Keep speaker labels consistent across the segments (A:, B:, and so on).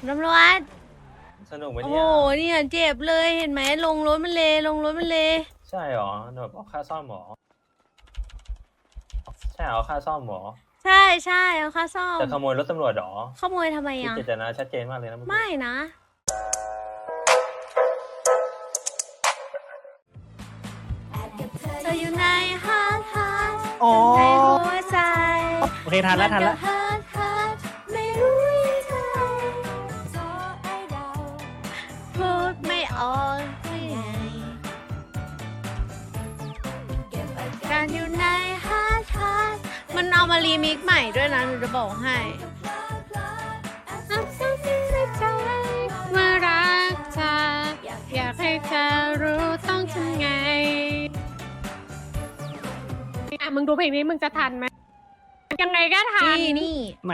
A: ตำรวจ
B: สนุกไหม
A: โอ้
B: เนี่ย
A: เนี่ยเจ็บเลยเห็นไหมลงรถมันเลยลงรถมันเลย
B: ใช่หรอแบบเอาค่าซ่อมหรอใช่เอาค่าซ่อมหรอ
A: ใช่ใช่เอาค่าซ่อม
B: จะขโมยรถตำรวจหรอ
A: ขโมยทำไม
B: คือ
A: อ่ะ
B: เจตนาชัดเจนมากเลยนะเมื่อกี้
A: ไม่นะเธออยู่ในฮาร์ทฮาร์ท
C: อ๋อ
A: ในหัวใจ
C: โอเคทันแล้วทันแล้ว
A: ฮาร์ทฮาร์ทไม่รู้ยังไงพูดไม่ออกยังไงการอยู่ในฮาร์ทฮาร์ทมันเอามารีมิกซ์ใหม่ด้วยนะหนูจะบอกให้เมื่อรักเธออยากให้เธอรู้ต้องทำไง
D: อ่ะมึงดูเพลงนี้มึงจะทันไหมยังไงก็ทัน
A: นี่
C: ไหน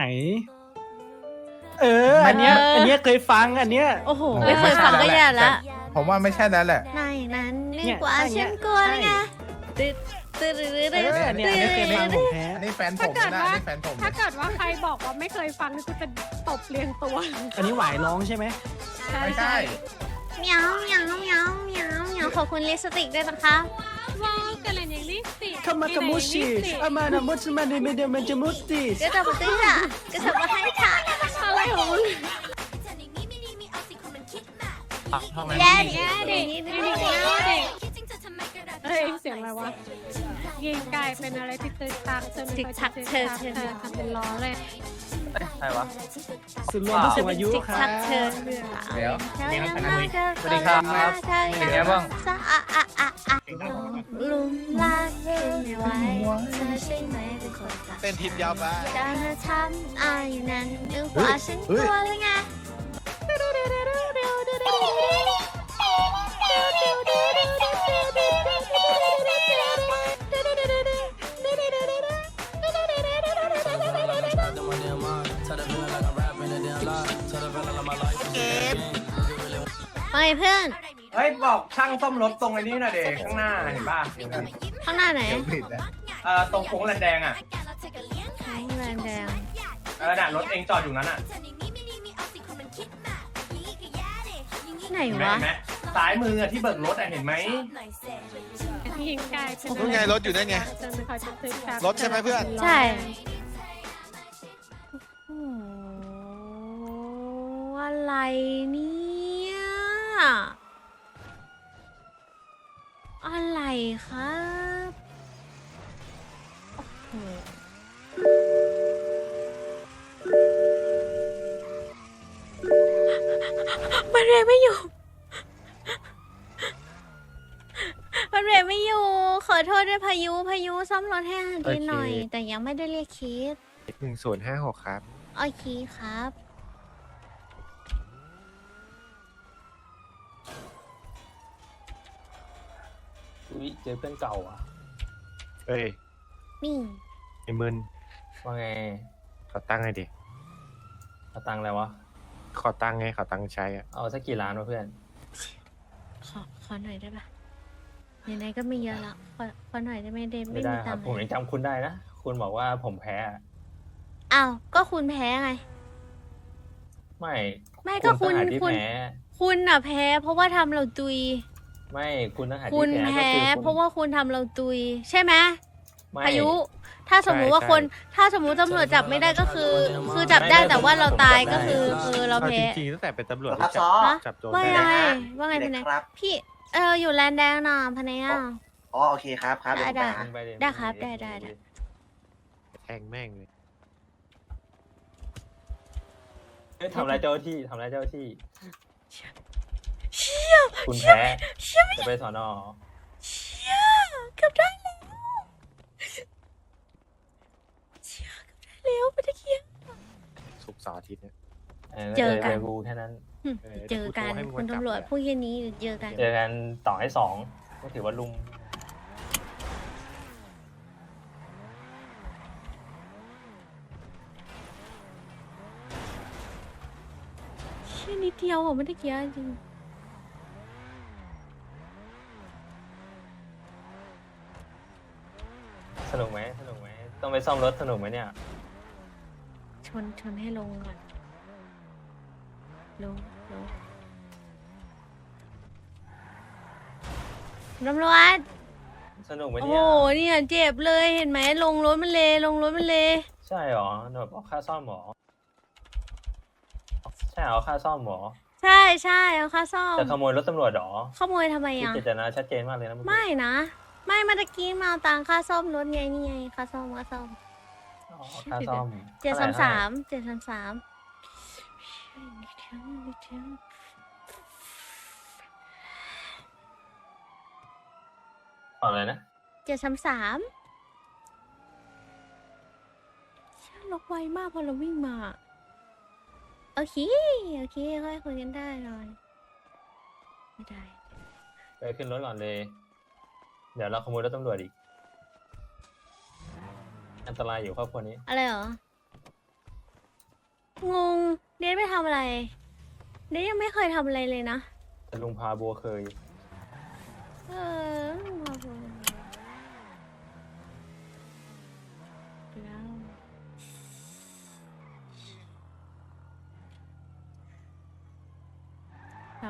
C: อันเนี้ยเคยฟังอันเนี้ย
A: โอ้โห ไม่เคยฟังก็แย่ละ
E: ผมว่าไม่ใช่แล้วแหละ
A: ในนั้น
C: เนี่
A: นี่
C: ย
A: กว่า
C: อันเนี้
A: ฉั
C: ย
A: นกลัวเลยไง
C: ใช่
A: ตึ๊ดตึ๊ดตึ๊ดตึ๊ด
C: อันเนี้ยเคยฟังของแท้
E: อันนี้แฟนผมนะอันนี้แฟนผม
D: ถ้าเกิดว่าใครบอกว่าไม่เคยฟังนี่กูจะตบเรียงตัว
C: อันนี้หวายร้องใช่ไหม
E: ไม่ใช่
A: เหมียวเหมียวเหมียวเหมียวเหมียวขอบคุณลิปสติกด้วยนะคะ
D: ว้าวกันเลยอย่างนี้สิ
C: คามากามุชิอามานามุสมาเนเมเดมันจะมุติ
A: ก็จะมาตื้ออ่ะก็จะมาให้ค่ะ
D: อะไรของมึง
A: แย่ดิ
D: แย่ดิ
A: นี่
D: แย่ดิ
A: นี่
D: แย่ดิเฮ้ยเสียงอะไรวะยิงไก่เป็นอะไรที่ตึกตักเธอไม่ค่อยจะตึกตักเธอทำเป็นล้อเลย
B: ใครวะ
C: สุดรวมผู้สูงอายุ
A: จิก
C: ครั
A: ชัก
C: บ
A: เธอ
E: เดี๋ยว
B: สวัสดีครับเป็นไงบ้าง
A: ลุมลากขึ้นไม่ไหวเธอใช่ไหมเป็นคนตัด
E: เต้นทิปยาวไป
A: การเธอทำอายุนั้นนึกว่าฉันกลัวเลยไง ไปเพื่อน
F: เฮ้ยบอกช่างซ่อมรถตรงไอ้นี้หน่อยเด็กข้างหน้าเห็นป่ะ
A: ข้างหน้าไหน
E: ผิดนะ
F: ตรงโค้งแลนแดงอ่ะ
A: ข้างแรงแดง
F: น่ะรถเองจอดอยู่นั้นอ่ะ
A: ที่ไหน
F: เห็นไหม
A: วะ
F: เห็นไหมซ้ายมืออะที่เบิกรถอะเห็นไหม
D: ยิงไก่เป็น
E: นู่นไงรถอยู่นั่นไง
D: เธอไม่ค่อยจะตึกตัก
E: รถใช่ไหมเพื่อน
A: ใช่โอ้โหอะไรเนี่ยอะไรครับโอ้โหมันเรไม่อยู่ มันเรไม่อยู่ ขอโทษด้วยพายุซ่อมรถให้อาหารทีหน่อย แต่ยังไม่ได้เรียกเคส
E: 1056ครับ
A: โอเคครับ
B: อุ้ยเจอเพื่อนเก่าอ่ะ
E: เอ้ย
A: นี่
E: ไอ้มึน
B: ว่าไง
E: ขอตั้งไงดิ
B: เอาตังค์อะไรวะ
E: ขอตั้งไงขอตั้งใช้อ่ะ
B: เอาสักกี่ล้านวะเพื่อน
A: ขอหน่อยได้ปะไหนๆก็ไม่เยอะละขอหน่อยได้ไหมเดม
B: ไม่
A: ไม่
B: ได้
A: มี
B: ค
A: ตั
B: รั
A: ง
B: บ
A: ค์
B: ผมยังจำคุณได้นะ คุณบอกว่าผมแพ้
A: อ้าวก็คุณแพ้ไง
B: ไม่
A: ไม่ก็คุณ
B: ต่างหากที่
A: คุณ
B: แพ้
A: คุณน่ะแพ้ เพราะว่าทำเราตุย
B: ไม่คุณต่างหาก
A: คุ
B: ที่
A: ณ
B: แพ้ก็
A: แพ้
B: คือ
A: เพราะว่าคุณทำเราตุย ใช่ไหม
B: ไม่
A: พายุ ถ้าสมมุติว่าคน ถ้าสมมุติตำรวจจับไม่ได้ก็คือ คือจับได้แต่ว่าเราตายก็คือเราแพ้
E: จริงๆตั้งแต่เป็นตำรวจ
G: ครับ
E: จั
G: ซอ
E: จับโจร
A: ว่า
E: ได้
A: ไง
E: แล้ว
A: ว่าไงพะเน
G: ครับ
A: พี่อยู่แลนด์แดงน่ะพะเนอ่ะ
G: อ๋อโอเคครับครับเดี๋ยวผม
A: ได้
G: ไปหา
B: ไปเลย
A: ได้ครับได้
E: แทงแม่งเลย
B: เฮ้ยทำร้ายเจ้าหน้าที่ทำร้ายเจ้าหน้าที่
A: เชี่ย
B: คุณแพ้
A: เชี่ยไม่
B: จะไปสอนอ
A: เชี่ยเกือบได้แล้วเชี่ยเกือบได้แล้วไปตะเคียน
E: ศุกร์เสาร์อาทิตย์เนี่ย
A: เจอกัน
B: เจอกูแค่นั้น
A: เจอกันคุณตำรวจพวกเย็นนี้เจอกัน
B: เจอกันต่อให้สองก็ถือว่าลุม
A: เชี่ยนิดเดียวอ่ะไม่ได้เกี้ยจริง
B: สนุกไหมสนุกไหมต้องไปซ่อมรถสนุกไหมเนี่ย
A: ชนให้ลงก่อนลงตำรวจ
B: สนุกไหม
A: โอ้
B: เนี่
A: โห
B: ย
A: เนี่ยเจ็บเลยเห็นไหมลงรถมันเลยลงรถมันเลย
B: ใช่หรอแบบเอาค่าซ่อมหรอใช่เอาค่าซ่อมหรอ
A: ใช่ใช่เอาค่าซ่อม
B: จะขโมยรถตำรวจหรอ
A: ขโมยทำไม
B: คือ
A: อ่ะ
B: เจตนาชัดเจนมากเลยนะเอกี้
A: ไม่นะไม่เมื่อกี้มาเอาตังค่าซ่อมรถไงนี่ไงค่าซ่อม
B: อ๋อค่าซ่อม
A: 733
B: อะไรนะ
A: 733ช่างล็อกไวมากพอเราวิ่งมาโอเคค่อยคุยกันได้หน่อยไม่ได้
B: ไปขึ้นรถก่อนเลย เดี๋ยวเราขโมยรถตำรวจอีก อันตรายอยู่ครอบครัวนี้
A: อะไรเหรอ งง เดทไม่ทำอะไร เดทยังไม่เคยทำอะไรเลยนะ
B: แต่ลุงพาบัวเคย
A: เออมาพูดแล้วต่อ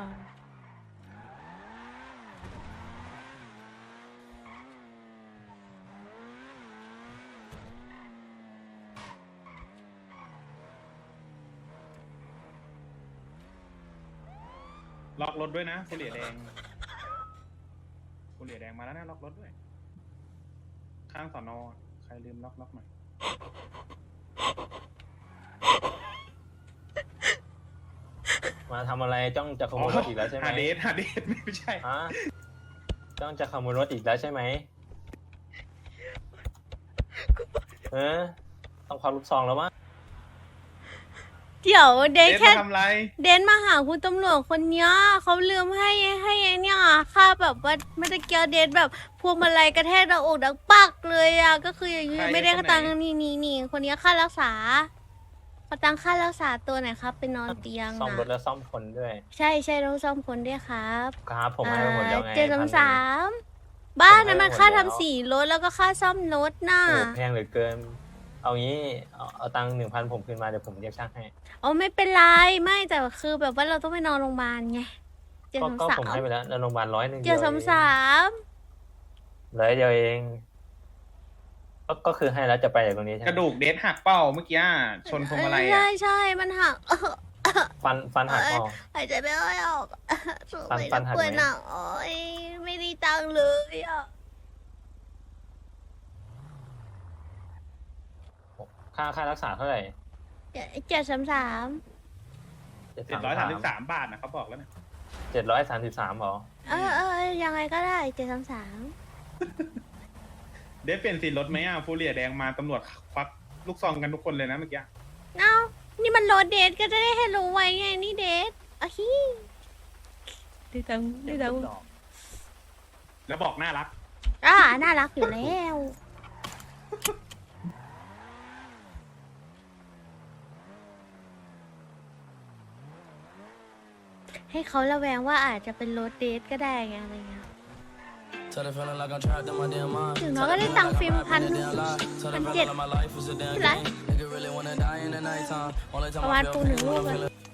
G: ล็อกรถด้วยนะผู้เหลียแดงผู้เหลียแดงมาแล้วนะล็อกรถด้วย ข้างสอนอใครลืมล็อกหน่อย
B: มาทำอะไรจ้องจะขโมยรถอีกแล้วใช่ไหม
G: หาเดทไม่ใช่
B: ฮะจ้องจะขโมยรถอีกแล้วใช่ไหมต้องควักลูกซองแล้วมั้ง
A: เดี๋ยวเด
G: เด
A: ท
G: ท
A: แค่
G: มาทำไร
A: เดนมาหาคุณตำรวจคนเนี้ยเขาลืมให้ไอ้เนี่ยค่าแบบว่าเมื่อกี้เดนแบบพวงมาลัยกระแทกหน้าอกดังปักเลยอ่ะก็คืออย่างนี้ไม่ได้ค่าตังค์นี่คนนี้ค่ารักษาขอตังค่ารักษาตัวหน่อยครับไปนอนเตียง
B: ซ่อม
A: นะ
B: รถแล้วซ่อมคนด้วย
A: ใช่ต้องซ่อมคนด้วยครับ
B: ครับผมให้ไปหมดแล้วไง
A: 733บ้านนั้นมันค่าทำสีรถแล้วก็ค่าซ่อมรถน่ะ
B: โอ้แพงเหลือเกิน เอางี้เอาตังค์1,000ผมคืนมาเดี๋ยวผมเรียกช่างให้
A: อ๋อไม่เป็นไรไม่แต่คือแบบว่าเราต้องไปนอนโรงพยาบาลไง
B: ก็ผมให้ไปแล้วในโรงพยาบาล100
A: 733
B: 100เดียวเอง ก็คือให้แล้วจะไปจากตรงนี้ใช่ไห
G: ก
B: ม
G: ระดูกเดทหักเป้าเมื่อกี้ชนพวงมาลัย
A: ใช่มันหัก
B: ฟันหักอ๋อ
A: หายใจไม่ค่อยออกสงสัย
B: ฟั
A: จะ
B: นหัก
A: ป่วย
B: ไหม
A: หนักโอ้ยไม่ได้ตังค์เลยอ่ะ
B: ค่ารักษาเท่าไหร่
A: 733
G: 733 บาทนะเขาบอกแล้วนะ
B: 733หรอ
A: ยังไงก็ได้733
G: เดทเปลี่ยนสีรถไหมอ่ะผู้เหลียแดงมาตำรวจควักลูกซองกันทุกคนเลยนะเมื่อกี้
A: เอ้านี่มันรถเดทก็จะได้ให้รู้ไว้ไงนี่เดทอ่ะฮีได้ตังค์ได้ตังค์
G: แล้วบอกน่ารัก
A: น่ารักอยู่แล้ว ให้เขาระแวงว่าอาจจะเป็นรถเดทก็ได้ไงอะไรเงี้ยถึงน้อยก็ได้ตังค์ฟิล์ม1,700ที่ไรประมาณปู1 ลูกเลย